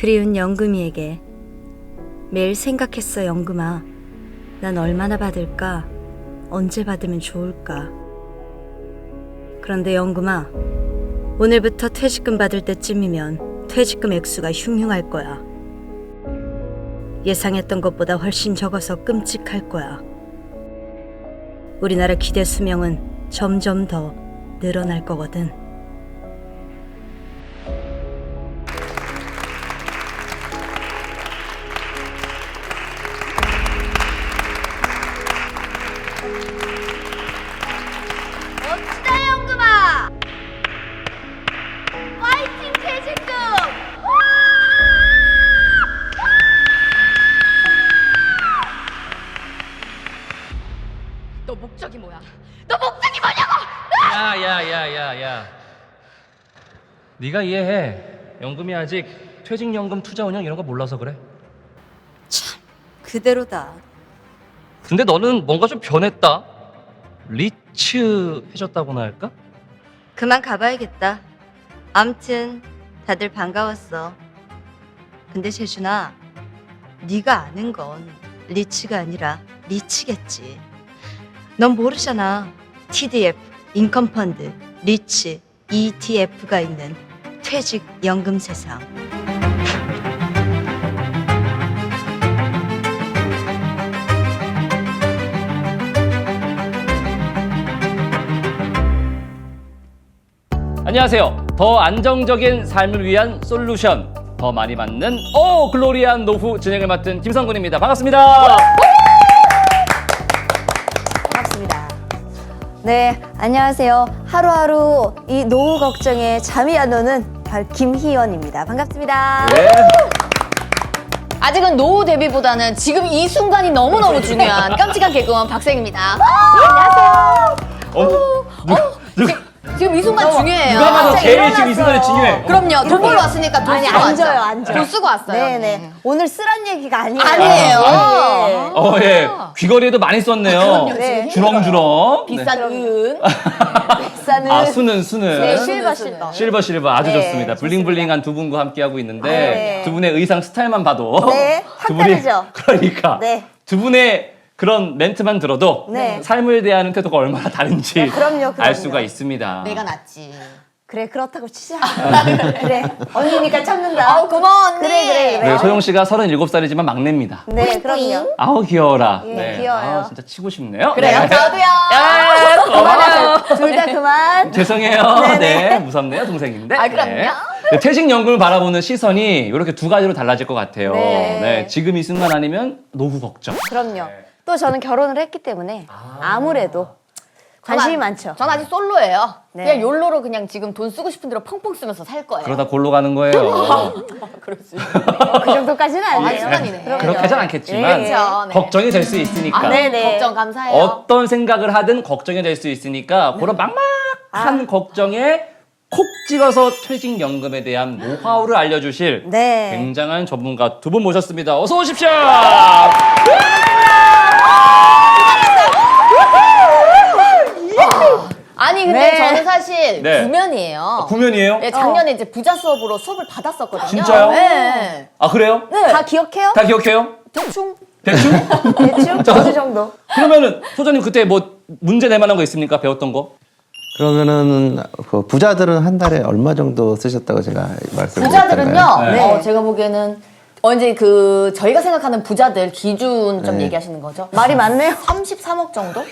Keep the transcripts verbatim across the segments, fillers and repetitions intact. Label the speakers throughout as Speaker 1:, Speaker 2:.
Speaker 1: 그리운 영금이에게 매일 생각했어. 영금아, 난 얼마나 받을까? 언제 받으면 좋을까? 그런데 영금아, 오늘부터 퇴직금 받을 때쯤이면 퇴직금 액수가 흉흉할 거야. 예상했던 것보다 훨씬 적어서 끔찍할 거야. 우리나라 기대 수명은 점점 더 늘어날 거거든.
Speaker 2: 멋지다 영금아! 파이팅 퇴직금! 너 목적이 뭐야? 너 목적이 뭐냐고!
Speaker 3: 야야야야야, 네가 이해해. 연금이 아직 퇴직연금 투자운용 이런 거 몰라서 그래.
Speaker 1: 그대로다.
Speaker 3: 근데 너는 뭔가 좀 변했다. 리치해졌다고나 할까?
Speaker 1: 그만 가봐야겠다. 암튼 다들 반가웠어. 근데 재준아, 네가 아는 건 리치가 아니라 리치겠지. 넌 모르잖아. 티디에프, 인컴펀드, 리치, 이티에프가 있는 퇴직연금 세상.
Speaker 3: 안녕하세요. 더 안정적인 삶을 위한 솔루션, 더 많이 받는 오 글로리한 노후 진행을 맡은 김성근입니다. 반갑습니다.
Speaker 4: 반갑습니다. 네, 안녕하세요. 하루하루 이 노후 걱정에 잠이 안 오는 바로 김희연입니다. 반갑습니다.
Speaker 3: 네.
Speaker 2: 아직은 노후 대비보다는 지금 이 순간이 너무너무 중요한 깜찍한 개그원 박생입니다.
Speaker 3: 어, 누, 누,
Speaker 2: 지금 이 순간 중요해요.
Speaker 3: 누가 봐도
Speaker 4: 갑자기
Speaker 3: 제일 지금 이
Speaker 4: 일어났어요.
Speaker 3: 순간이 중요해.
Speaker 2: 그럼요. 돈 벌러 왔으니까 돈
Speaker 4: 아니,
Speaker 2: 쓰고 왔죠.
Speaker 4: 앉아요, 앉아요.
Speaker 2: 돈 쓰고 왔어요.
Speaker 4: 네네. 오늘 쓰란 얘기가 아니에요.
Speaker 2: 아니에요.
Speaker 4: 네.
Speaker 3: 어, 예. 귀걸이에도 많이 썼네요.
Speaker 2: 그럼요.
Speaker 4: 네.
Speaker 3: 주렁주렁.
Speaker 2: 비싼 은.
Speaker 4: 비싸는
Speaker 3: 아, 수는 수는.
Speaker 4: 네,
Speaker 2: 수는
Speaker 4: 실버
Speaker 2: 수는.
Speaker 4: 실버.
Speaker 3: 실버 실버 아주
Speaker 4: 네,
Speaker 3: 좋습니다. 블링블링한 두 분과 함께하고 있는데
Speaker 4: 네.
Speaker 3: 두 분의 의상 스타일만 봐도
Speaker 4: 네, 확
Speaker 3: 두 분이
Speaker 4: 다르죠?
Speaker 3: 그러니까
Speaker 4: 네.
Speaker 3: 두 분의 그런 멘트만 들어도
Speaker 4: 네.
Speaker 3: 삶을 대하는 태도가 얼마나 다른지
Speaker 4: 그럼요, 그럼요.
Speaker 3: 알 수가 있습니다.
Speaker 2: 내가 낫지.
Speaker 4: 그래, 그렇다고 치자. 그래, 언니니까 참는다.
Speaker 2: 아우 고마워 언니.
Speaker 4: 그래, 그래, 그래.
Speaker 3: 네, 소영 씨가 서른일곱 살이지만 막내입니다.
Speaker 4: 네, 그럼요.
Speaker 3: 아우 귀여워라.
Speaker 4: 예, 귀여워요.
Speaker 3: 아, 진짜 치고 싶네요.
Speaker 2: 그래요.
Speaker 3: 네.
Speaker 2: 저도요.
Speaker 3: 야, 고마워요.
Speaker 4: 둘 다 그만.
Speaker 3: 죄송해요.
Speaker 4: 네네.
Speaker 3: 네, 무섭네요, 동생인데.
Speaker 2: 아, 그럼요.
Speaker 3: 네. 네, 퇴직연금을 바라보는 시선이 이렇게 두 가지로 달라질 것 같아요.
Speaker 4: 네.
Speaker 3: 네, 지금 이 순간 아니면 노후 걱정.
Speaker 4: 그럼요. 또 저는 결혼을 했기 때문에 아무래도 관심이
Speaker 2: 전 아-
Speaker 4: 많죠.
Speaker 2: 전 아직 솔로예요.
Speaker 4: 네.
Speaker 2: 그냥 욜로로 그냥 지금 돈 쓰고 싶은 대로 펑펑 쓰면서 살 거예요.
Speaker 3: 그러다 골로 가는 거예요.
Speaker 2: 그렇지.
Speaker 4: 그 정도까지는 아니에요.
Speaker 2: 한순간이네.
Speaker 4: 그럼요.
Speaker 3: 그렇게 하진 않겠지만
Speaker 4: 예.
Speaker 2: 그렇죠. 네.
Speaker 3: 걱정이 될 수 있으니까.
Speaker 2: 아,
Speaker 4: 네, 네.
Speaker 2: 걱정 감사해요.
Speaker 3: 어떤 생각을 하든 걱정이 될 수 있으니까 그런
Speaker 4: 아.
Speaker 3: 막막한 걱정에 콕 찍어서 퇴직연금에 대한 노하우를 알려주실
Speaker 4: 네.
Speaker 3: 굉장한 전문가 두 분 모셨습니다. 어서 오십시오.
Speaker 2: 아니 근데
Speaker 4: 네.
Speaker 2: 저는 사실
Speaker 3: 네.
Speaker 2: 구면이에요.
Speaker 3: 구면이에요?
Speaker 2: 예, 작년에 이제 부자 수업으로 수업을 받았었거든요.
Speaker 3: 진짜요?
Speaker 2: 네.
Speaker 3: 아 그래요?
Speaker 2: 네.
Speaker 4: 다 기억해요?
Speaker 3: 다 기억해요?
Speaker 2: 대충.
Speaker 3: 대충?
Speaker 4: 대충 어느 정도?
Speaker 3: 그러면은 소장님 그때 뭐 문제 낼 만한 거 있습니까? 배웠던 거?
Speaker 5: 그러면은 그 부자들은 한 달에 얼마 정도 쓰셨다고 제가 말씀을
Speaker 2: 부자들은요.
Speaker 3: 네.
Speaker 2: 어, 제가 보기에는 언제 그 저희가 생각하는 부자들 기준 좀
Speaker 5: 네.
Speaker 2: 얘기하시는 거죠?
Speaker 4: 말이 많네요.
Speaker 2: 삼십삼억 정도?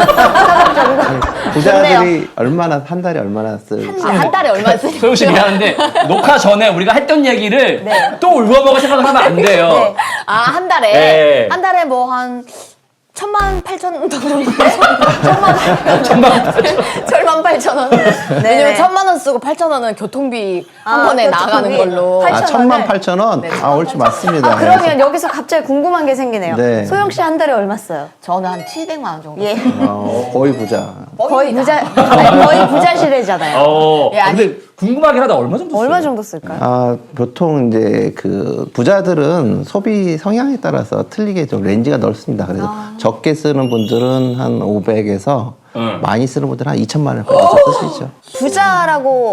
Speaker 5: 부자들이 얼마나 한 달에 얼마나 쓸
Speaker 2: 아, 한 달에 얼마 쓰세요?
Speaker 3: 소영 씨 미안한데 녹화 전에 우리가 했던 얘기를 또 울먹먹어 생각을 하면 안 돼요.
Speaker 4: 네.
Speaker 2: 아, 한 달에?
Speaker 3: 네.
Speaker 2: 한 달에 뭐 한 천만 팔천 원 정도? 천만
Speaker 3: 천만
Speaker 2: 천만 팔천 원. 왜냐면 천만 원 쓰고 팔천 원은 교통비 한
Speaker 4: 아,
Speaker 2: 번에
Speaker 4: 교통비.
Speaker 2: 나가는 걸로.
Speaker 4: 팔-
Speaker 5: 아,
Speaker 4: 팔천
Speaker 5: 천만
Speaker 4: 원을?
Speaker 5: 팔천 원?
Speaker 2: 네.
Speaker 5: 아, 옳지 맞습니다.
Speaker 4: 아, 그러면 여기서 갑자기 궁금한 게 생기네요.
Speaker 5: 네.
Speaker 4: 소영 씨 한 달에 얼마 써요?
Speaker 2: 저는 한 칠백만 원 정도.
Speaker 4: 예.
Speaker 5: 어, 거의 부자.
Speaker 4: 거의 부자, 아니, 거의 부자 시대잖아요.
Speaker 3: 어.
Speaker 2: 예, 아니-
Speaker 3: 근데 궁금하긴 하다. 얼마 정도 써요?
Speaker 4: 얼마 정도 쓸까요?
Speaker 5: 아, 보통 이제 그 부자들은 소비 성향에 따라서 틀리게 좀 렌즈가 넓습니다. 그래서 적게 쓰는 분들은 한 오백에서
Speaker 3: 응.
Speaker 5: 많이 쓰는 분들은 한 이천만 원까지 쓰시죠.
Speaker 4: 부자라고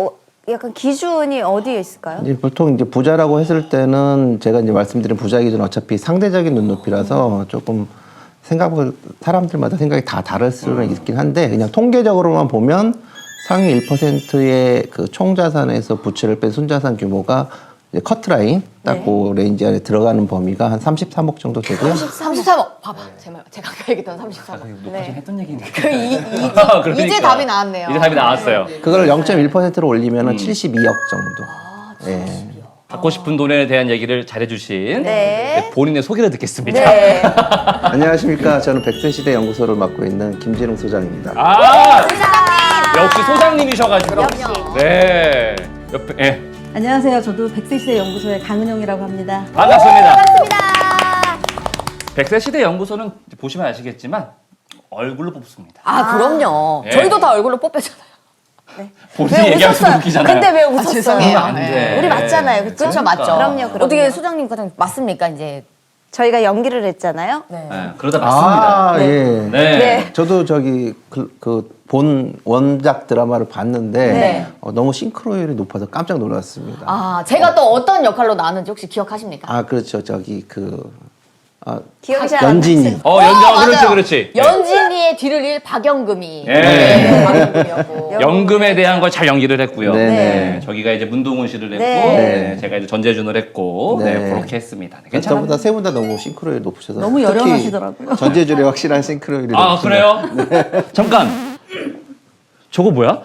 Speaker 4: 약간 기준이 어디에 있을까요?
Speaker 5: 이제 보통 이제 부자라고 했을 때는 제가 이제 말씀드린 부자 기준은 어차피 상대적인 눈높이라서 조금 생각을 사람들마다 생각이 다 다를 수는 있긴 한데 그냥 통계적으로만 보면 상위 일 퍼센트의 그 총자산에서 부채를 뺀 순자산 규모가 이제 커트라인 딱 그 레인지 안에 들어가는 범위가 한 삼십삼억 정도 되고요.
Speaker 2: 삼십삼억. 봐봐. 제말 제가 아까 얘기했던 삼십삼억.
Speaker 3: 녹화좀 했던 얘기인데.
Speaker 2: 그 이, 이,
Speaker 3: 그러니까.
Speaker 2: 이제 답이 나왔네요.
Speaker 3: 이제 답이 나왔어요.
Speaker 5: 그걸 영 점 일 퍼센트로 올리면 칠십이억 정도. 예.
Speaker 3: 갖고 싶은 돈에 대한 얘기를 잘해주신
Speaker 4: 네.
Speaker 3: 본인의 소개를 듣겠습니다.
Speaker 4: 네.
Speaker 5: 안녕하십니까. 저는 백세시대 연구소를 맡고 있는 김진웅 소장입니다.
Speaker 3: 아, 역시 소장님이셔가지고.
Speaker 4: 역시.
Speaker 3: 네. 옆에, 예.
Speaker 6: 안녕하세요. 저도 백세시대 연구소의 강은영이라고 합니다.
Speaker 3: 반갑습니다.
Speaker 4: 반갑습니다.
Speaker 3: 백세시대 연구소는 보시면 아시겠지만 얼굴로 뽑습니다.
Speaker 2: 아, 그럼요.
Speaker 3: 예.
Speaker 2: 저희도 다 얼굴로 뽑혔잖아요.
Speaker 3: 본인이
Speaker 4: 왜
Speaker 3: 얘기하면서
Speaker 4: 웃었어요?
Speaker 3: 웃기잖아요.
Speaker 4: 근데 왜 웃었어요?
Speaker 2: 죄송해요.
Speaker 3: 안 돼.
Speaker 4: 우리 맞잖아요, 그쵸?
Speaker 2: 그렇죠, 맞죠.
Speaker 4: 그럼요, 그럼요.
Speaker 2: 어떻게 소장님 과장 맞습니까, 이제?
Speaker 4: 저희가 연기를 했잖아요.
Speaker 2: 네.
Speaker 3: 네, 그러다 맞습니다.
Speaker 5: 아, 예.
Speaker 3: 네.
Speaker 4: 네.
Speaker 5: 저도 저기 그 본 원작 드라마를 봤는데
Speaker 2: 네.
Speaker 5: 어, 너무 싱크로율이 높아서 깜짝 놀랐습니다. 아,
Speaker 2: 아, 제가 또 어떤 역할로 나왔는지 혹시 기억하십니까?
Speaker 5: 그렇죠. 저기 그 아,
Speaker 4: 기억이 잘 안
Speaker 5: 연진이.
Speaker 4: 나세요?
Speaker 3: 어, 연정,
Speaker 2: 어,
Speaker 3: 그렇지,
Speaker 2: 맞아요.
Speaker 3: 그렇지.
Speaker 2: 연진이의 뒤를 일 박영금이.
Speaker 3: 예.
Speaker 2: 네, 박영금이었고.
Speaker 3: 연금에 대한 걸 잘 연기를 했고요.
Speaker 5: 네.
Speaker 3: 네. 저기가 이제 문동훈 씨를 했고,
Speaker 4: 네.
Speaker 3: 네. 제가 이제 전재준을 했고, 네.
Speaker 5: 네.
Speaker 3: 그렇게 했습니다. 네, 괜찮아요.
Speaker 5: 저보다 세 분 다 너무 싱크로율이 높으셔서
Speaker 6: 너무
Speaker 5: 특히
Speaker 6: 여령하시더라고요.
Speaker 5: 전재준의 확실한 싱크로율이
Speaker 3: 아,
Speaker 5: 높으시네요.
Speaker 3: 그래요? 잠깐. 저거 뭐야?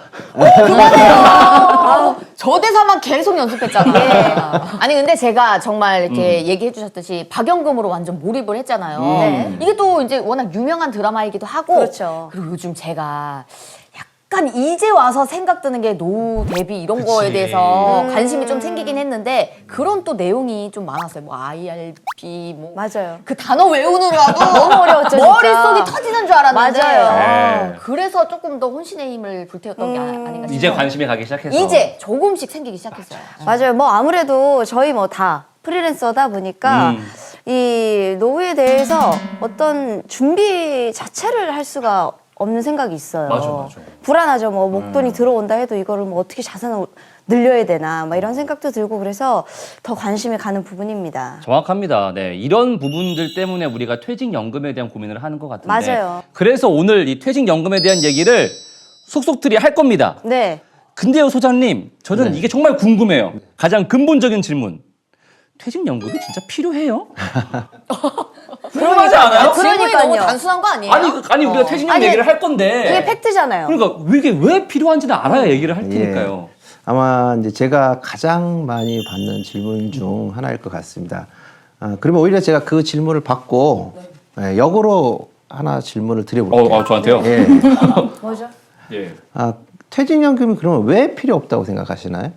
Speaker 2: 저 대사만 계속 연습했잖아요. 아니 근데 제가 정말 이렇게 얘기해 주셨듯이 박영금으로 완전 몰입을 했잖아요.
Speaker 3: 네.
Speaker 2: 이게 또 이제 워낙 유명한 드라마이기도 하고
Speaker 4: 그렇죠.
Speaker 2: 그리고 요즘 제가 약간 이제 와서 생각드는 게 노후 대비 이런
Speaker 3: 그치.
Speaker 2: 거에 대해서
Speaker 4: 음.
Speaker 2: 관심이 좀 생기긴 했는데 그런 또 내용이 좀 많았어요. 뭐 아이알피 뭐
Speaker 4: 맞아요.
Speaker 2: 그 단어 외우느라도
Speaker 4: 너무 어려웠죠, 진짜.
Speaker 2: 머릿속이 터지는 줄 알았는데
Speaker 4: 맞아요.
Speaker 3: 네.
Speaker 2: 그래서 조금 더 혼신의 힘을 불태웠던 게 아- 아닌가 싶어요.
Speaker 3: 이제 관심이 가기 시작해서.
Speaker 2: 이제 조금씩 생기기 시작했어요.
Speaker 4: 맞아요. 뭐 아무래도 저희 뭐 다 프리랜서다 보니까
Speaker 3: 음.
Speaker 4: 이 노후에 대해서 어떤 준비 자체를 할 수가 없는 생각이 있어요.
Speaker 3: 맞아, 맞아.
Speaker 4: 불안하죠. 뭐 목돈이 들어온다 해도 이거를 뭐 어떻게 자산을 늘려야 되나 막 이런 생각도 들고 그래서 더 관심이 가는 부분입니다.
Speaker 3: 정확합니다. 네. 이런 부분들 때문에 우리가 퇴직연금에 대한 고민을 하는 것 같은데.
Speaker 4: 맞아요.
Speaker 3: 그래서 오늘 이 퇴직연금에 대한 얘기를 속속들이 할 겁니다.
Speaker 4: 네.
Speaker 3: 근데요, 소장님, 저는
Speaker 5: 네.
Speaker 3: 이게 정말 궁금해요. 가장 근본적인 질문. 퇴직연금이 진짜 필요해요? 궁금하지 않아요?
Speaker 2: 질문이 너무
Speaker 4: 그러니까요.
Speaker 2: 단순한 거 아니에요?
Speaker 3: 아니, 그- 아니 우리가 퇴직연금
Speaker 4: 아니,
Speaker 3: 얘기를 할 건데.
Speaker 4: 그게 팩트잖아요.
Speaker 3: 그러니까 이게 왜 필요한지는 알아야 얘기를 할 테니까요.
Speaker 5: 예. 아마 이제 제가 가장 많이 받는 질문 중 하나일 것 같습니다. 아, 그러면 오히려 제가 그 질문을 받고 예, 역으로 하나 질문을 드려볼게요.
Speaker 3: 어, 어, 저한테요?
Speaker 5: 예.
Speaker 4: 뭐죠?
Speaker 3: 예.
Speaker 5: 아, 퇴직연금이 그러면 왜 필요 없다고 생각하시나요?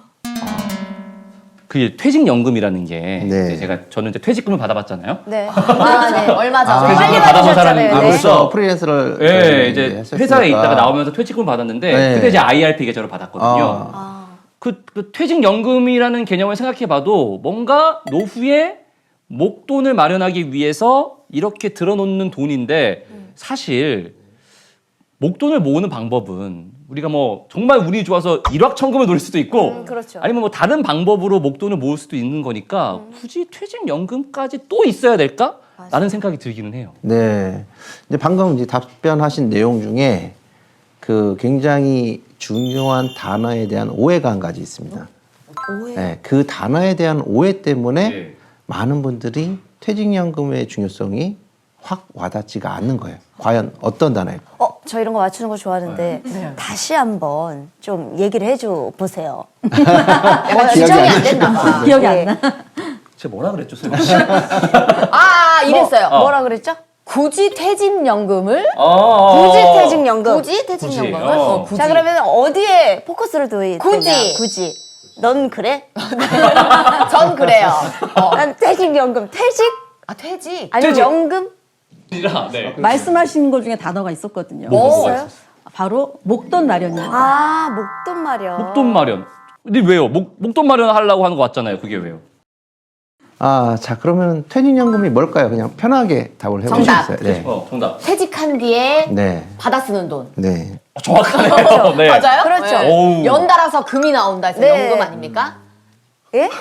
Speaker 3: 그 퇴직연금이라는 게
Speaker 5: 네.
Speaker 3: 이제 제가 저는 이제 퇴직금을 받아봤잖아요.
Speaker 4: 네.
Speaker 2: 아, 네. 얼마 전에.
Speaker 5: 아,
Speaker 4: 빨리
Speaker 3: 퇴직금을 받아본
Speaker 4: 받으셨잖아요.
Speaker 3: 사람이
Speaker 5: 아,
Speaker 4: 네.
Speaker 5: 그래서 프리랜서를
Speaker 3: 예,
Speaker 5: 저희
Speaker 3: 이제
Speaker 5: 했었으니까.
Speaker 3: 회사에 있다가 나오면서 퇴직금을 받았는데
Speaker 5: 네.
Speaker 3: 그때 이제 아이알피 계좌로 받았거든요.
Speaker 5: 아.
Speaker 3: 그, 그 퇴직연금이라는 개념을 생각해봐도 뭔가 노후에 목돈을 마련하기 위해서 이렇게 들어놓는 돈인데 사실 목돈을 모으는 방법은 우리가 뭐 정말 운이 좋아서 일확천금을 노릴 수도 있고
Speaker 4: 음, 그렇죠.
Speaker 3: 아니면 뭐 다른 방법으로 목돈을 모을 수도 있는 거니까 굳이 퇴직연금까지 또 있어야 될까? 라는 생각이 들기는 해요.
Speaker 5: 네. 이제 방금 이제 답변하신 내용 중에 그 굉장히 중요한 단어에 대한 오해가 한 가지 있습니다.
Speaker 4: 오해.
Speaker 5: 네, 그 단어에 대한 오해 때문에
Speaker 3: 네.
Speaker 5: 많은 분들이 퇴직연금의 중요성이 확 와닿지가 않는 거예요. 과연 어떤 단어일까?
Speaker 4: 어, 저 이런 거 맞추는 거 좋아하는데 다시 한번 좀 얘기를 해줘 보세요.
Speaker 2: 약간 지정이 안 됐나 봐.
Speaker 6: 기억이
Speaker 4: 예.
Speaker 6: 안 나.
Speaker 3: 제가 뭐라 그랬죠, 쌤?
Speaker 2: 아, 이랬어요.
Speaker 3: 어.
Speaker 4: 뭐라 그랬죠?
Speaker 2: 굳이 퇴직연금을
Speaker 3: 어,
Speaker 4: 굳이 퇴직연금.
Speaker 2: 굳이 퇴직연금을
Speaker 3: 굳이, 어.
Speaker 2: 어, 굳이.
Speaker 4: 자 그러면 어디에 포커스를 둬야
Speaker 2: 굳이.
Speaker 4: 되냐? 굳이. 넌 그래?
Speaker 2: 전 그래요. 어.
Speaker 4: 난 퇴직연금. 퇴직?
Speaker 2: 아, 퇴직.
Speaker 4: 아니면
Speaker 3: 퇴직.
Speaker 4: 연금?
Speaker 3: 네.
Speaker 6: 말씀하신 것 중에 단어가 있었거든요.
Speaker 3: 뭐, 뭐가
Speaker 4: 있어요?
Speaker 6: 바로 목돈 마련입니다.
Speaker 4: 아 목돈 마련.
Speaker 3: 목돈 마련. 근데 왜요? 목, 목돈 마련 하려고 하는 거 맞잖아요. 그게 왜요?
Speaker 5: 아, 자 그러면 퇴직연금이 뭘까요? 그냥 편하게 답을 해볼 수
Speaker 2: 정답.
Speaker 5: 있어요. 네.
Speaker 3: 어, 정답.
Speaker 2: 퇴직한 뒤에
Speaker 5: 네.
Speaker 2: 받아 쓰는 돈.
Speaker 5: 네.
Speaker 3: 어, 정확하네요. 네.
Speaker 2: 맞아요?
Speaker 4: 그렇죠.
Speaker 2: 네.
Speaker 3: 오우.
Speaker 2: 연달아서 금이 나온다 해서
Speaker 4: 네.
Speaker 2: 연금 아닙니까?
Speaker 4: 예?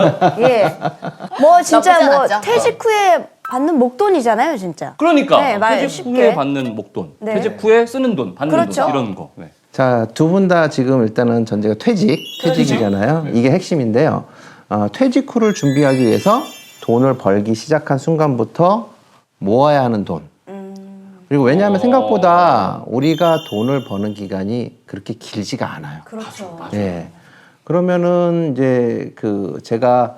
Speaker 4: 예. 뭐 진짜
Speaker 2: 나쁘지
Speaker 4: 뭐
Speaker 2: 않았죠?
Speaker 4: 퇴직 후에 받는 목돈이잖아요, 진짜.
Speaker 3: 그러니까
Speaker 4: 네, 말
Speaker 3: 퇴직
Speaker 4: 쉽게.
Speaker 3: 후에 받는 목돈,
Speaker 4: 네.
Speaker 3: 퇴직 후에 쓰는 돈, 받는
Speaker 4: 그렇죠.
Speaker 3: 돈 이런 거. 네.
Speaker 5: 자, 두 분 다 지금 일단은 전제가 퇴직, 퇴직이잖아요. 이게 핵심인데요. 어, 퇴직 후를 준비하기 위해서 돈을 벌기 시작한 순간부터 모아야 하는 돈. 그리고 왜냐하면
Speaker 3: 어.
Speaker 5: 생각보다 우리가 돈을 버는 기간이 그렇게 길지가 않아요.
Speaker 4: 그렇죠.
Speaker 5: 네. 그러면은 이제 그 제가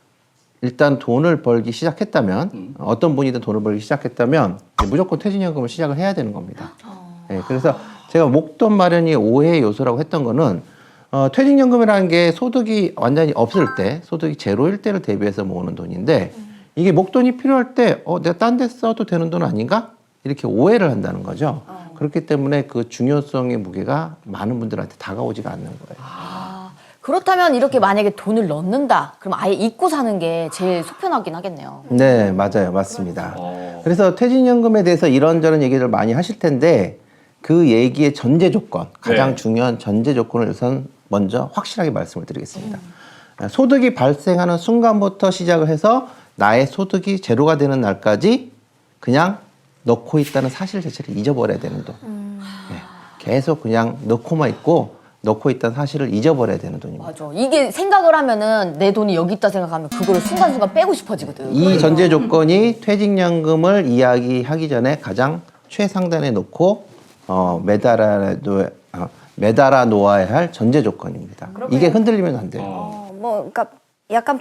Speaker 5: 일단 돈을 벌기 시작했다면
Speaker 3: 음.
Speaker 5: 어떤 분이든 돈을 벌기 시작했다면 이제 무조건 퇴직연금을 시작을 해야 되는 겁니다. 네, 그래서 제가 목돈 마련이 오해의 요소라고 했던 거는 어, 퇴직연금이라는 게 소득이 완전히 없을 때 소득이 제로일 때를 대비해서 모으는 돈인데 이게 목돈이 필요할 때 어, 내가 딴 데 써도 되는 돈 아닌가? 이렇게 오해를 한다는 거죠. 그렇기 때문에 그 중요성의 무게가 많은 분들한테 다가오지가 않는 거예요.
Speaker 2: 그렇다면 이렇게 만약에 돈을 넣는다. 그럼 아예 잊고 사는 게 제일 속편하긴 하겠네요.
Speaker 5: 네, 맞아요. 맞습니다.
Speaker 3: 어.
Speaker 5: 그래서 퇴직연금에 대해서 이런저런 얘기를 많이 하실 텐데 그 얘기의 전제 조건, 가장
Speaker 3: 네.
Speaker 5: 중요한 전제 조건을 우선 먼저 확실하게 말씀을 드리겠습니다. 소득이 발생하는 순간부터 시작을 해서 나의 소득이 제로가 되는 날까지 그냥 넣고 있다는 사실 자체를 잊어버려야 되는 돈. 네, 계속 그냥 넣고만 있고 넣고 있다는 사실을 잊어버려야 되는 돈입니다.
Speaker 2: 맞아. 이게 생각을 하면은 내 돈이 여기 있다 생각하면 그거를 순간순간 빼고 싶어지거든.
Speaker 5: 이 전제 조건이 퇴직연금을 이야기하기 전에 가장 최상단에 놓고 어, 매달아, 놓, 어, 매달아 놓아야 할 전제 조건입니다. 이게 흔들리면 안 돼요.
Speaker 4: 어, 뭐 그러니까 약간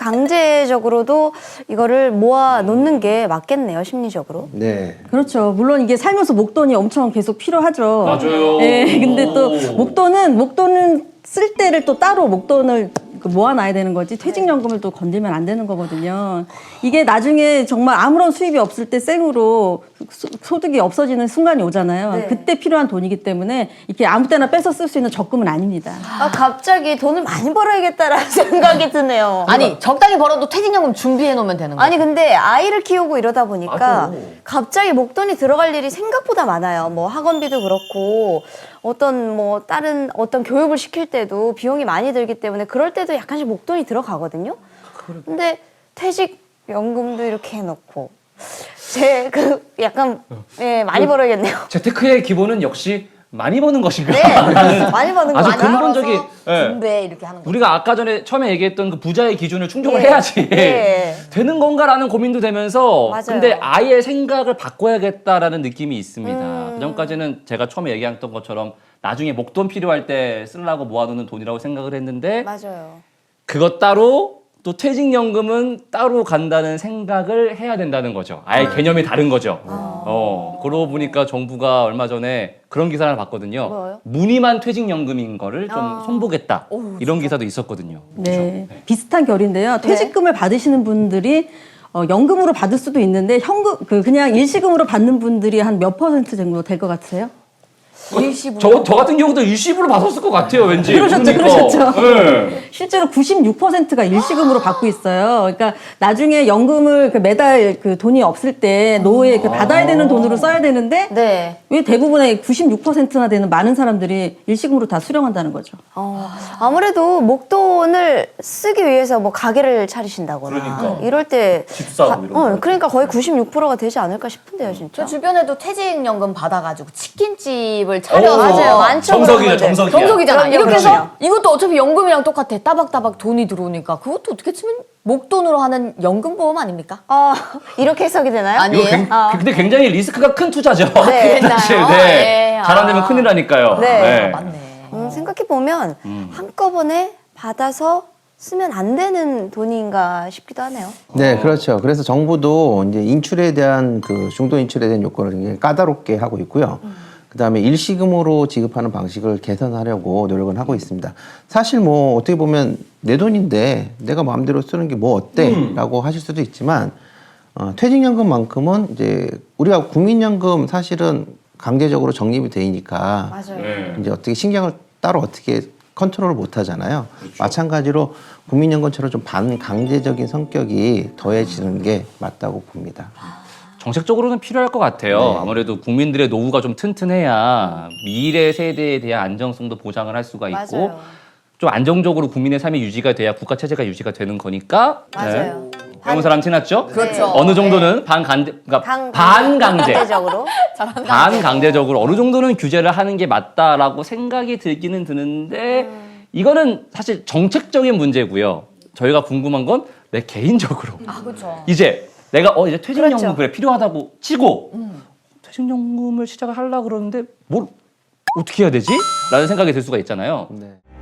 Speaker 4: 반강제적으로도 이거를 모아 놓는 게 맞겠네요, 심리적으로.
Speaker 5: 네.
Speaker 6: 그렇죠. 물론 이게 살면서 목돈이 엄청 계속 필요하죠.
Speaker 3: 맞아요.
Speaker 6: 예, 근데 또
Speaker 3: 오.
Speaker 6: 목돈은 목돈은 쓸 때를 또 따로 목돈을 그 모아놔야 되는 거지 퇴직연금을 또 건들면 안 되는 거거든요. 이게 나중에 정말 아무런 수입이 없을 때 생으로 소- 소득이 없어지는 순간이 오잖아요.
Speaker 4: 네.
Speaker 6: 그때 필요한 돈이기 때문에 이렇게 아무 때나 뺏어 쓸 수 있는 적금은 아닙니다.
Speaker 4: 아, 갑자기 돈을 많이 벌어야겠다라는 생각이 드네요.
Speaker 2: 아니 적당히 벌어도 퇴직연금 준비해 놓으면 되는 거야.
Speaker 4: 아니 근데 아이를 키우고 이러다 보니까
Speaker 3: 맞아.
Speaker 4: 갑자기 목돈이 들어갈 일이 생각보다 많아요. 뭐 학원비도 그렇고 어떤 뭐 다른 어떤 교육을 시킬 때도 비용이 많이 들기 때문에 그럴 때도 약간씩 목돈이 들어가거든요. 근데 퇴직연금도 이렇게 해놓고 제 그 약간 예 많이 벌어야겠네요.
Speaker 3: 재테크의 기본은 역시 많이 버는 것인가?
Speaker 4: 네, 많이 버는 거
Speaker 3: 아주
Speaker 4: 많이
Speaker 3: 근본적인 예.
Speaker 2: 준비해 이렇게 하는 거.
Speaker 3: 우리가 아까 전에 처음에 얘기했던 그 부자의 기준을 충족을
Speaker 4: 예.
Speaker 3: 해야지
Speaker 4: 예.
Speaker 3: 되는 건가라는 고민도 되면서
Speaker 4: 맞아요.
Speaker 3: 근데 아예 생각을 바꿔야겠다라는 느낌이 있습니다.
Speaker 4: 음.
Speaker 3: 그 전까지는 제가 처음에 얘기했던 것처럼 나중에 목돈 필요할 때 쓰려고 모아두는 돈이라고 생각을 했는데
Speaker 4: 맞아요.
Speaker 3: 그것 따로 또 퇴직연금은 따로 간다는 생각을 해야 된다는 거죠. 아예 개념이 다른 거죠. 어, 그러고 보니까 정부가 얼마 전에 그런 기사를 하나 봤거든요.
Speaker 4: 뭐요?
Speaker 3: 무늬만 퇴직연금인 거를 좀
Speaker 4: 아.
Speaker 3: 손보겠다.
Speaker 2: 어우,
Speaker 3: 이런 기사도 있었거든요.
Speaker 6: 네, 비슷한 결인데요. 퇴직금을 받으시는 분들이 어, 연금으로 받을 수도 있는데 현금 그 그냥 일시금으로 받는 분들이 한 몇 퍼센트 정도 될 것 같으세요?
Speaker 2: 일시불.
Speaker 3: 저, 저 같은 경우도 일시불로 받았을 것 같아요, 왠지.
Speaker 6: 그러셨죠,
Speaker 3: 그러니까.
Speaker 6: 그러셨죠.
Speaker 3: 네.
Speaker 6: 실제로 구십육 퍼센트가 일시금으로 받고 있어요. 그러니까 나중에 연금을 그 매달 그 돈이 없을 때 노후에 그 받아야 되는 돈으로 써야 되는데
Speaker 4: 네.
Speaker 6: 왜 대부분의 구십육 퍼센트나 되는 많은 사람들이 일시금으로 다 수령한다는 거죠.
Speaker 4: 어, 아무래도 목돈을 쓰기 위해서 뭐 가게를 차리신다거나
Speaker 3: 그러니까.
Speaker 4: 이럴 때
Speaker 3: 집 사고
Speaker 4: 가-
Speaker 3: 이런 거.
Speaker 4: 어, 그러니까 거의 구십육 퍼센트가 되지 않을까 싶은데요, 진짜.
Speaker 2: 저 주변에도 퇴직연금 받아가지고 치킨집을 차려서
Speaker 4: 맞아요. 많죠,
Speaker 3: 정석이죠,
Speaker 4: 그런 분들.
Speaker 3: 정석이야.
Speaker 2: 정석이잖아.
Speaker 4: 그럼요,
Speaker 2: 이렇게
Speaker 4: 그럼요.
Speaker 2: 해서 이것도 어차피 연금이랑 똑같아. 따박따박 돈이 들어오니까 그것도 어떻게 치면 목돈으로 하는 연금보험 아닙니까?
Speaker 4: 어, 이렇게 해석이 되나요?
Speaker 2: 아니,
Speaker 3: 이거
Speaker 2: 아니에요?
Speaker 3: 굉-
Speaker 4: 아.
Speaker 3: 근데 굉장히 리스크가 큰 투자죠.
Speaker 4: 네.
Speaker 3: 사실,
Speaker 2: 그랬나요?
Speaker 3: 네.
Speaker 2: 네.
Speaker 3: 잘 안
Speaker 2: 아.
Speaker 3: 되면 큰일 나니까요.
Speaker 4: 네.
Speaker 2: 맞네.
Speaker 4: 음, 생각해보면 한꺼번에 받아서 쓰면 안 되는 돈인가 싶기도 하네요.
Speaker 5: 네, 그렇죠. 그래서 정부도 이제 인출에 대한 그 중도 인출에 대한 요건을 굉장히 까다롭게 하고 있고요. 그다음에 일시금으로 지급하는 방식을 개선하려고 노력은 하고 있습니다. 사실 뭐 어떻게 보면 내 돈인데 내가 마음대로 쓰는 게 뭐 어때?라고 하실 수도 있지만 어, 퇴직연금만큼은 이제 우리가 국민연금 사실은 강제적으로 적립이 되니까
Speaker 4: 맞아요.
Speaker 3: 네.
Speaker 5: 이제 어떻게 신경을 따로 어떻게 컨트롤을 못 하잖아요. 마찬가지로 국민연금처럼 좀 반강제적인 성격이 더해지는 게 맞다고 봅니다.
Speaker 3: 정책적으로는 필요할 것 같아요.
Speaker 5: 네.
Speaker 3: 아무래도 국민들의 노후가 좀 튼튼해야 미래 세대에 대한 안정성도 보장을 할 수가 있고
Speaker 4: 맞아요.
Speaker 3: 좀 안정적으로 국민의 삶이 유지가 돼야 국가 체제가 유지가 되는 거니까.
Speaker 4: 맞아요.
Speaker 3: 배운 사람 티났죠?
Speaker 2: 그렇죠.
Speaker 3: 어느 정도는 반강제, 그러니까
Speaker 4: 강,
Speaker 3: 반강제,
Speaker 4: 강제적으로.
Speaker 3: 반강제적으로 어느 정도는 규제를 하는 게 맞다라고 생각이 들기는 드는데 이거는 사실 정책적인 문제고요. 저희가 궁금한 건 내 개인적으로
Speaker 2: 아, 그렇죠.
Speaker 3: 이제 내가 어 이제 퇴직연금
Speaker 4: 그렇죠.
Speaker 3: 그래 필요하다고 치고 퇴직연금을 시작을 하려고 그러는데 뭘 어떻게 해야 되지? 라는 생각이 들 수가 있잖아요.
Speaker 5: 네.